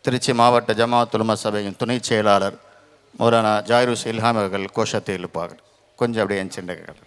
திருச்சி மாவட்ட ஜமாஅத் உலமா சபையின் துணை செயலாளர் மௌலானா ஜாயிருஸ் இல்ஹாம் அவர்கள் கோஷத்தை எழுப்பார்கள். கொஞ்சம் அப்படியே சென்றார்கள்.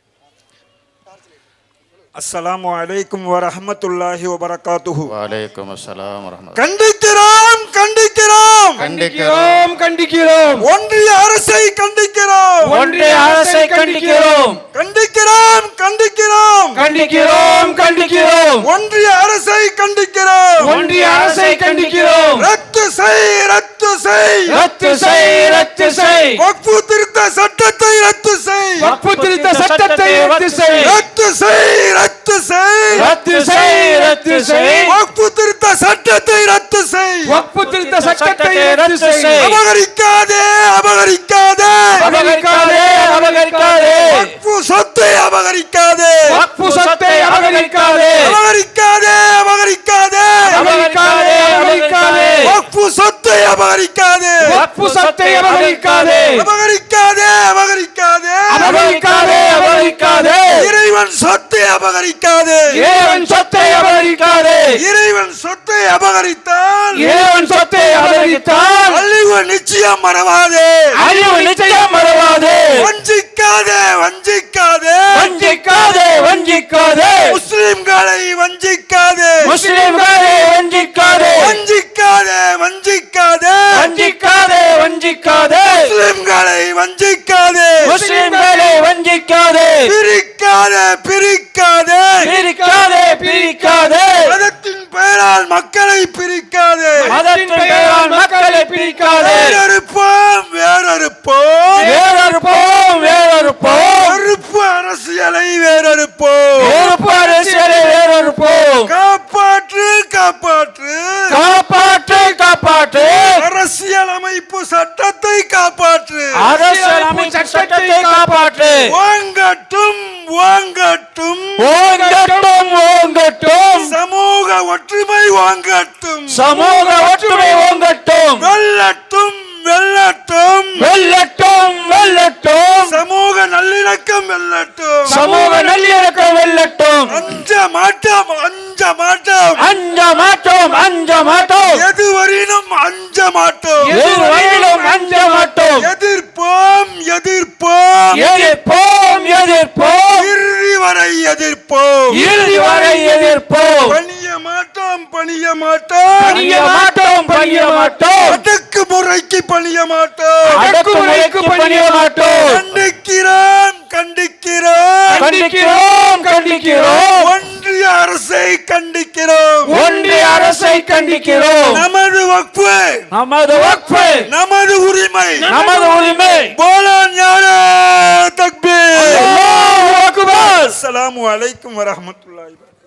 அஸ்ஸலாமு அலைக்கும் வரஹ்மத்துல்லாஹி வபரகாத்துஹு. வலைக்கும் அஸ்ஸலாம் வரஹ்மத்துல்லாஹி. கண்டிக்கிறோம் கண்டிக்கிறோம் கண்டிக்கிறோம் கண்டிக்கிறோம். ஒன்றிய அரசை கண்டிக்கிறோம் ஒன்றிய அரசை கண்டிக்கிறோம் கண்டிக்கிறோம் கண்டிக்கிறோம் கண்டிக்கிறோம் கண்டிக்கிறோம். ஒன்றிய அரசை கண்டிக்கிறோம் ஒன்றிய அரசை கண்டிக்கிறோம். ரத்து செய் ரத்து செய் ரத்து செய் ரத்து செய். வக்ஃபு திருத்த சட்டத்தை ரத்து செய் வக்ஃபு திருத்த சட்டத்தை ரத்து செய். ரத்து செய் ரத்து செய் ரத்து செய் ரத்து செய். வக்ஃபு திருத்த சட்டத்தை ரத்து செய். வக்ஃபு திருத்த சட்டத்தை ரத்து செய். அபகரிக்காதே அபகரிக்காதே அபகரிக்காதே அபகரிக்காதே. வக்ஃபு சொத்தை அபகரிக்காதே வக்ஃபு சொத்தை அபகரிக்காதே அபகரிக்காதே அபகரிக்காதே அபகரிக்காதே அபகரிக்காதே. வக்ஃபு சொத்தை அபகரிக்காதே வக்ஃபு சொத்தை அபகரிக்காதே அபகரிக்காதே அபகரிக்காதே அபகரிக்காதே அபகரிக்காதே. இறைவன் சொத்தை அபகரிக்காதே இறைவன் சொத்தை அபகரிக்காதே. இறைவன் சொத்தை அபகரித்தால் இறைவன் சொத்தை அபகரித்தால் அழிவு நிச்சயம் மறவாதே அழிவு நிச்சயம் மறவாதே. வஞ்சிக்காதே வஞ்சிக்காதே வஞ்சிக்காதே வஞ்சிக்காதே. முஸ்லிம்களை வஞ்சிக்காதே முஸ்லிம்களை வஞ்சிக்காதே வஞ்சிக்காதே வஞ்சிக்காதே வஞ்சிக்காதே வஞ்சிக்காதே. முஸ்லிம்களை வஞ்சிக்காதே முஸ்லிம்களை வஞ்சிக்காதே. பிரிக்காதே பிரிக்காதே பிரிக்காதே பிரிக்காதே. மதத்தின் பெயரால் மக்களை பிரிக்காதே மதத்தின் பெயரால் மக்களை பிரிக்காதே. வேறறுப்போம் வேறறுப்போம் வேறறுப்போம் வேறறுப்போம். வெறுப்பு அரசியலை வேறறுப்போம் வெறுப்பு அரசியலை வேறறுப்போம். காப்பாற்று காப்பாற்று காப்பாற்று காப்பாற்று. அரசியலமைப்பு சட்டத்தை காப்பாற்று அரசியலமைப்பு சட்டத்தை காப்பாற்று. வாங்கட்டும் வாங்கட்டும் ஓங்கட்டும் ஓங்கட்டும். சமூக ஒற்றுமை வாங்கட்டும் சமூக ஒற்றுமை ஓங்கட்டும். வெல்லட்டும் வெல்லட்டும் வெல்லட்டும் வெல்லட்டும். சமூக நல்லிணக்கம் வெல்லட்டும் சமூக நல்லிணக்கம் வெல்லட்டும். அஞ்ச மாட்டோம் அஞ்ச மாட்டோம் அஞ்ச மாட்டோம் அஞ்ச மாட்டோம். எதுவரையிலும் அஞ்ச மாட்டோம் எதுவரையிலும் அஞ்ச மாட்டோம். எதிர்ப்போம் எதிர்ப்போம் எதிர்ப்போம் எதிர்ப்போம். இறுதி வரை எதிர்ப்போம் இறுதி வரை எதிர்ப்போம். பணிய மாட்டோம் பணிய மாட்டோம் பணிய மாட்டோம் பணிய மாட்டோம். அடக்குமுறைக்கு பணிய மாட்டோம் அடக்குமுறைக்கு பணிய மாட்டோம். கண்டிக்கிறோம் கண்டிக்கிறோம் கண்டிக்கிறோம் கண்டிக்கிறோம். ஒன்றிய அரசை கண்டிக்கிறோம் ஒன்றிய அரசை கண்டிக்கிறோம். நமது வக்ஃபு நமது வக்ஃபு நமது உரிமை நமது உரிமை. போலா ஞான தக்பீர். அல்லாஹு அக்பர். அஸ்ஸலாமு அலைக்கும் வரஹ்மத்துல்லாஹி.